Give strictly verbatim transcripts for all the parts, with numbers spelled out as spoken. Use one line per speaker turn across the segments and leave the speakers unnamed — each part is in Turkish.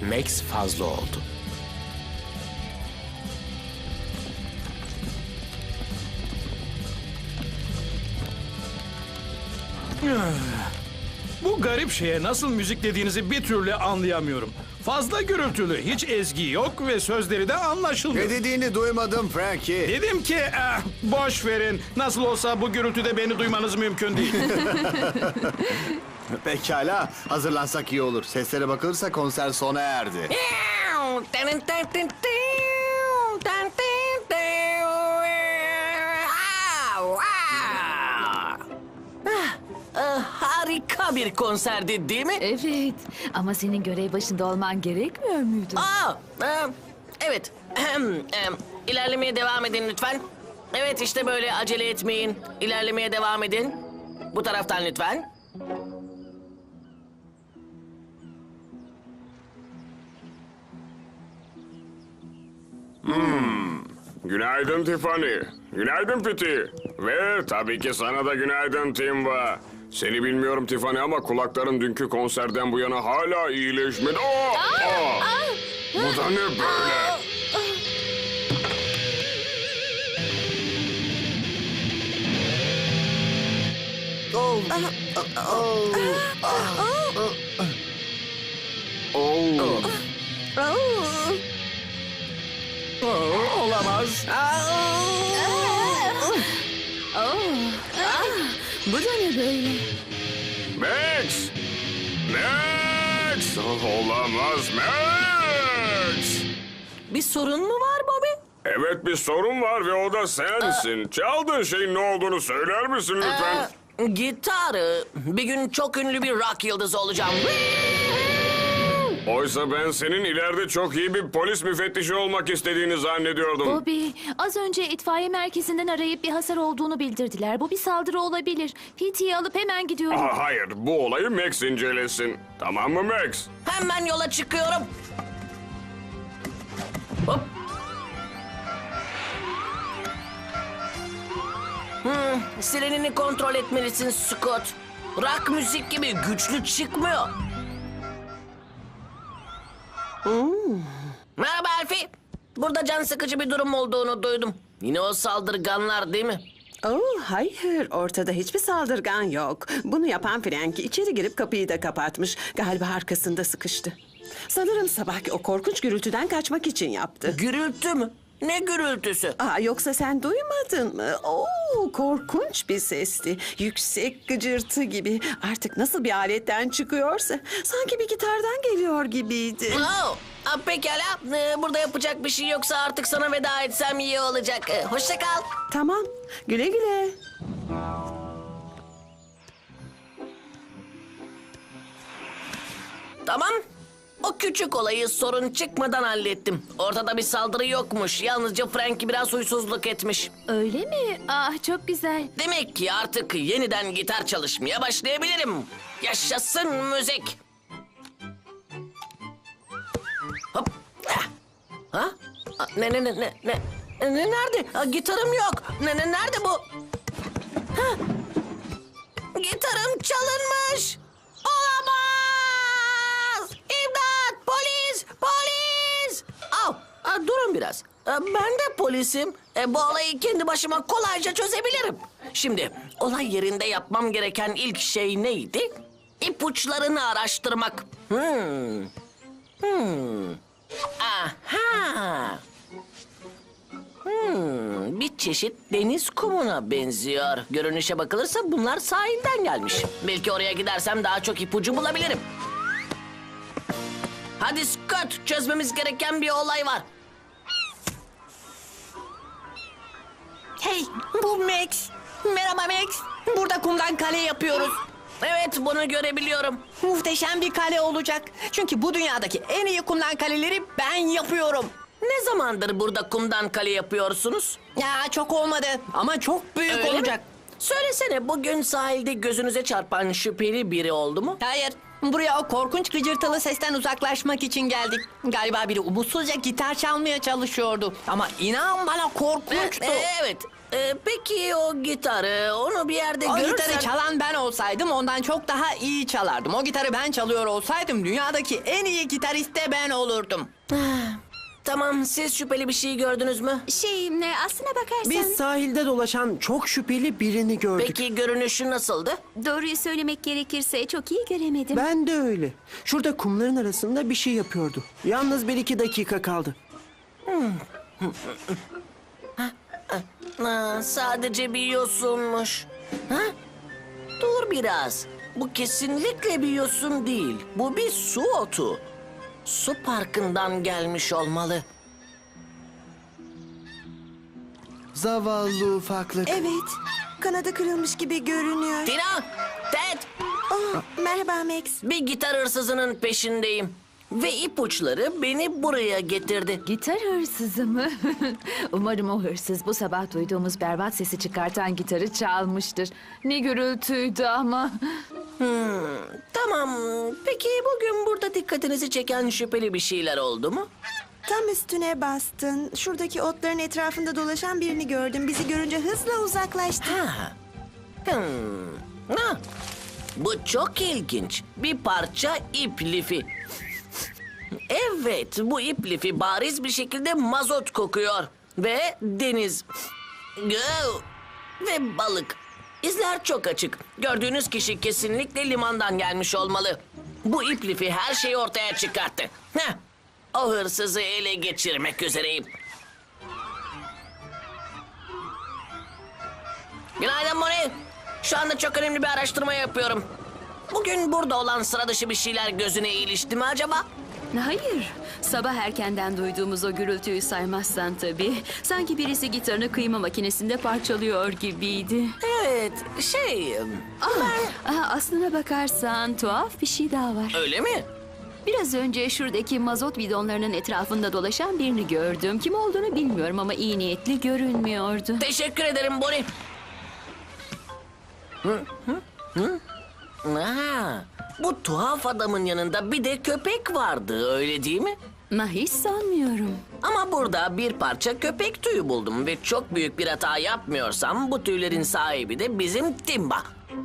Max fazla oldu.
Bu garip şeye nasıl müzik dediğinizi bir türlü anlayamıyorum. Fazla gürültülü, hiç ezgi yok ve sözleri de anlaşılmıyor.
Ne dediğini duymadım Frankie.
Dedim ki eh, boş verin. Nasıl olsa bu gürültüde beni duymanız mümkün değil.
Pekala, hazırlansak iyi olur. Seslere bakılırsa konser sona erdi.
Harika bir konserdi değil mi?
Evet ama senin görev başında olman gerekmiyor muydu?
Aa, e, evet. Ahem, em, İlerlemeye devam edin lütfen. Evet işte böyle acele etmeyin. İlerlemeye devam edin. Bu taraftan lütfen.
Günaydın Tiffany. Günaydın Piti. Ve tabii ki sana da günaydın Timba. Seni bilmiyorum Tiffany ama kulakların dünkü konserden bu yana hala iyileşmedi. Aa, aa. Bu da ne böyle?
Oh. Oh.
Oo, olamaz.
Bu da ne böyle?
Max! Max! Oh, olamaz Max!
Bir sorun mu var Bobby?
Evet bir sorun var ve o da sensin. Çaldığın şeyin ne olduğunu söyler misin lütfen?
Ee, gitarı. Bir gün çok ünlü bir rock yıldızı olacağım.
Oysa ben senin ileride çok iyi bir polis müfettişi olmak istediğini zannediyordum.
Bobby, az önce itfaiye merkezinden arayıp bir hasar olduğunu bildirdiler. Bu bir saldırı olabilir. P T'yi alıp hemen gidiyorum.
Aa, hayır, bu olayı Max incelesin. Tamam mı Max?
Hemen yola çıkıyorum. Hop. Hmm, sirenini kontrol etmelisin Scott. Rock müzik gibi güçlü çıkmıyor. Hmm. Merhaba Elfie. Burada can sıkıcı bir durum olduğunu duydum. Yine o saldırganlar değil mi?
Oh, hayır, ortada hiçbir saldırgan yok. Bunu yapan Frank içeri girip kapıyı da kapatmış. Galiba arkasında sıkıştı. Sanırım sabahki o korkunç gürültüden kaçmak için yaptı.
Gürültü mü? Ne gürültüsü?
Aa, yoksa sen duymadın mı? Oo, korkunç bir sesti. Yüksek gıcırtı gibi. Artık nasıl bir aletten çıkıyorsa. Sanki bir gitardan geliyor gibiydi.
Oh, ah, pekala. Ee, burada yapacak bir şey yoksa artık sana veda etsem iyi olacak. Ee, hoşça kal.
Tamam, güle güle.
Tamam. O küçük olayı sorun çıkmadan hallettim. Ortada bir saldırı yokmuş. Yalnızca Frankie biraz huysuzluk etmiş.
Öyle mi? Ah, çok güzel.
Demek ki artık yeniden gitar çalışmaya başlayabilirim. Yaşasın müzik. Hop. Ah. Ha? Ah, Ne ne ne ne ne? Ne nerede? Ah, gitarım yok. Ne ne nerede bu? Ha? Gitarım çalınmış. Olamaz! İmdat! Polis! Polis! Au! Ah, durun biraz. Ah, ben de polisim. E, bu olayı kendi başıma kolayca çözebilirim. Şimdi olay yerinde yapmam gereken ilk şey neydi? İpuçlarını araştırmak. Hmm. Hmm. Aha! Hmm, bir çeşit deniz kumuna benziyor. Görünüşe bakılırsa bunlar sahilden gelmiş. Belki oraya gidersem daha çok ipucu bulabilirim. Hadi Scott, çözmemiz gereken bir olay var.
Hey, bu Max. Merhaba Max. Burada kumdan kale yapıyoruz.
Evet, bunu görebiliyorum.
Muhteşem bir kale olacak. Çünkü bu dünyadaki en iyi kumdan kaleleri ben yapıyorum.
Ne zamandır burada kumdan kale yapıyorsunuz?
Ya çok olmadı ama çok büyük
Öyle mi?
olacak.
Söylesene, bugün sahilde gözünüze çarpan şüpheli biri oldu mu?
Hayır, buraya o korkunç gıcırtılı sesten uzaklaşmak için geldik. Galiba biri umutsuzca gitar çalmaya çalışıyordu. Ama inan bana korkunçtu.
E, evet, Ee, peki o gitarı, onu bir yerde
O
görürsen...
gitarı çalan ben olsaydım ondan çok daha iyi çalardım. O gitarı ben çalıyor olsaydım dünyadaki en iyi gitarist de ben olurdum.
Tamam, siz şüpheli bir şey gördünüz mü?
Şey, e, aslına bakarsan
Biz sahilde dolaşan çok şüpheli birini gördük.
Peki görünüşü nasıldı?
doğruyu söylemek gerekirse çok iyi göremedim.
Ben de öyle. Şurada kumların arasında bir şey yapıyordu. Yalnız bir iki dakika kaldı.
Ha, sadece bir yosunmuş. Ha? Dur biraz. Bu kesinlikle bir yosun değil. Bu bir su otu. Su parkından gelmiş olmalı.
Zavallı ufaklık.
Evet, kanadı kırılmış gibi görünüyor.
Tina, Ted,
Oh, merhaba Max.
bir gitar hırsızının peşindeyim. Ve ipuçları beni buraya getirdi.
Gitar hırsızı mı? Umarım o hırsız bu sabah duyduğumuz berbat sesi çıkartan gitarı çalmıştır. Ne gürültüydü ama.
Tamam, peki bugün burada dikkatinizi çeken şüpheli bir şeyler oldu mu?
Tam üstüne bastın. Şuradaki otların etrafında dolaşan birini gördüm. Bizi görünce hızla uzaklaştı.
Ha. Hmm. Ha. Bu çok ilginç. Bir parça ip lifi. Evet, bu ip lifi bariz bir şekilde mazot kokuyor. Ve deniz. Gö- Ve balık. İzler çok açık. Gördüğünüz kişi kesinlikle limandan gelmiş olmalı. Bu ip lifi her şeyi ortaya çıkarttı. Heh. O hırsızı ele geçirmek üzereyim. Günaydın Moni. Şu anda çok önemli bir araştırma yapıyorum. Bugün burada olan sıra dışı bir şeyler gözüne ilişti mi acaba?
Hayır. Sabah erkenden duyduğumuz o gürültüyü saymazsan tabii. Sanki birisi gitarını kıyma makinesinde parçalıyor gibiydi.
Evet, şey... Ben...
Aa, aslına bakarsan tuhaf bir şey daha var.
Öyle mi?
Biraz önce şuradaki mazot bidonlarının etrafında dolaşan birini gördüm. Kim olduğunu bilmiyorum ama iyi niyetli görünmüyordu.
Teşekkür ederim Bonnie. Hı, hı, hı. Ha, bu tuhaf adamın yanında bir de köpek vardı, öyle değil mi?
Ma hiç sanmıyorum.
Ama burada bir parça köpek tüyü buldum ve çok büyük bir hata yapmıyorsam bu tüylerin sahibi de bizim Timba.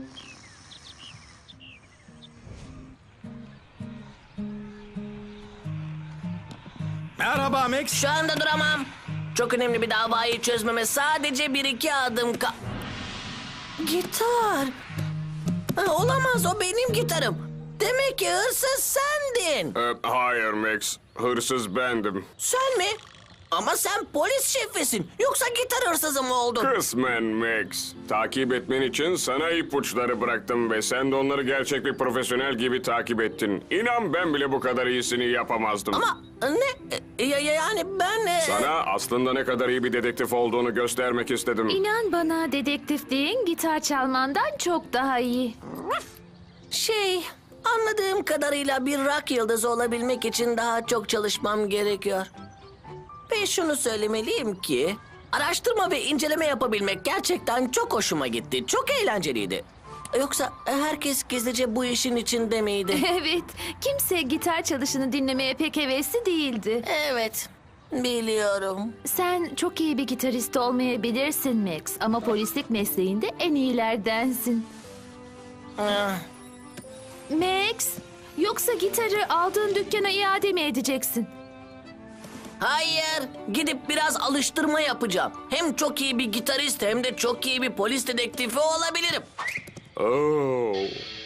Merhaba Max.
Şu anda duramam. Çok önemli bir davayı çözmeme sadece bir iki adım ka... Gitar. Ha, olamaz, o benim gitarım. Demek ki hırsız sendin.
Ee, hayır Max, hırsız bendim.
Sen mi? Ama sen polis şefisin. Yoksa gitar hırsızı mı oldun?
Kısmen Max. Takip etmen için sana ipuçları bıraktım ve sen de onları gerçek bir profesyonel gibi takip ettin. İnan ben bile bu kadar iyisini yapamazdım.
Ama ne? E, Ya, ya- yani ben... e,
Sana aslında ne kadar iyi bir dedektif olduğunu göstermek istedim.
İnan bana, dedektifliğin gitar çalmandan çok daha iyi.
Şey... Anladığım kadarıyla bir rock yıldızı olabilmek için daha çok çalışmam gerekiyor. Ve şunu söylemeliyim ki... Araştırma ve inceleme yapabilmek gerçekten çok hoşuma gitti. Çok eğlenceliydi. Yoksa herkes gizlice bu işin içinde miydi?
Evet, kimse gitar çalışını dinlemeye pek hevesli değildi.
Evet, biliyorum.
Sen çok iyi bir gitarist olmayabilirsin Max ama polislik mesleğinde en iyilerdensin.
Ah,
Max, yoksa gitarı aldığın dükkana iade mi edeceksin?
Hayır, gidip biraz alıştırma yapacağım. Hem çok iyi bir gitarist hem de çok iyi bir polis dedektifi olabilirim.
Oo.